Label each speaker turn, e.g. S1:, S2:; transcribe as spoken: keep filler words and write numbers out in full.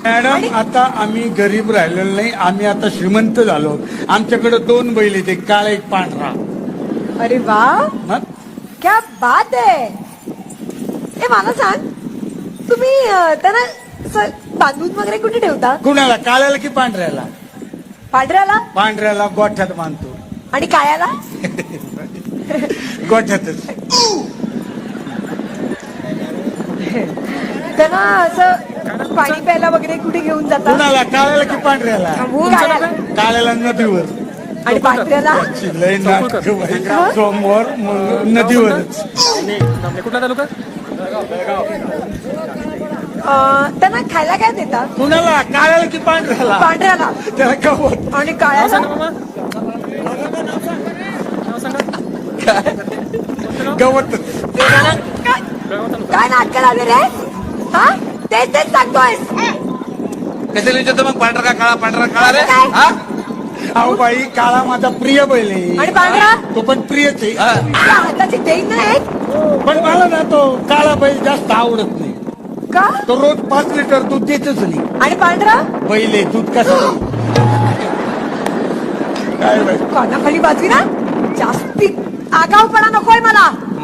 S1: Madam आता आम्ही गरीब राहिलेलो नाही, आम्ही आता श्रीमंत झालो. आमच्याकडे दोन बैल आहेत, एक काळा एक पांढरा.
S2: अरे वा,
S1: मग
S2: क्या बात आहे. ए मला सांग, तुम्ही अं, त्यांना असं बांधून वगैरे कुठे ठेवता?
S1: कुणाला, काळ्याला की पांढऱ्याला?
S2: पांढऱ्याला
S1: पांढऱ्याला गोठ्यात बांधतो.
S2: आणि काळ्याला?
S1: गोठ्यातच.
S2: त्यांना असं पाणी प्यायला वगैरे कुठे घेऊन जाता?
S1: कुणाला, काळ्याला की पांढऱ्याला?
S2: काळ्याला.
S1: काळ्याला नदीवर.
S2: आणि पांढऱ्याला?
S1: लय नाटकं बाई. सोमवार मग नदीवरच.
S3: कुठला तालुका?
S2: अं, त्यांना खायला काय देता?
S1: कुणाला, काळ्याला की पांढऱ्याला?
S2: पांढऱ्याला.
S1: त्याला गवत.
S2: आणि
S3: नाव
S2: काळ्याला?
S3: सांगा मामा. नाव सांगा.
S1: गवतच.
S2: काय
S3: बेळगाव तालुका.
S2: काय नाटक लावले रे? हा तेच तेच सांगतोय.
S4: कशाला विचारतो मग, पांढरा का काळा? पांढरा काळा रे.
S2: काय?
S4: हा?
S1: अहो बाई, काळा माझा प्रिय बैल आहे.
S2: आणि पांढरा?
S1: तो पण प्रियच आहे.
S4: हा.
S2: त्या हाताची देईन नाही
S1: पण मला ना तो काळा बैल जास्त आवडत नाही.
S2: का?
S1: तो रोज पाच लिटर दूध देतच नाही.
S2: आणि पांढरा?
S1: बैल आहे, दूध कसं काय बाई.
S2: कानाखाली बाजवी ना, जास्ती आगाऊपणा नकोय मला.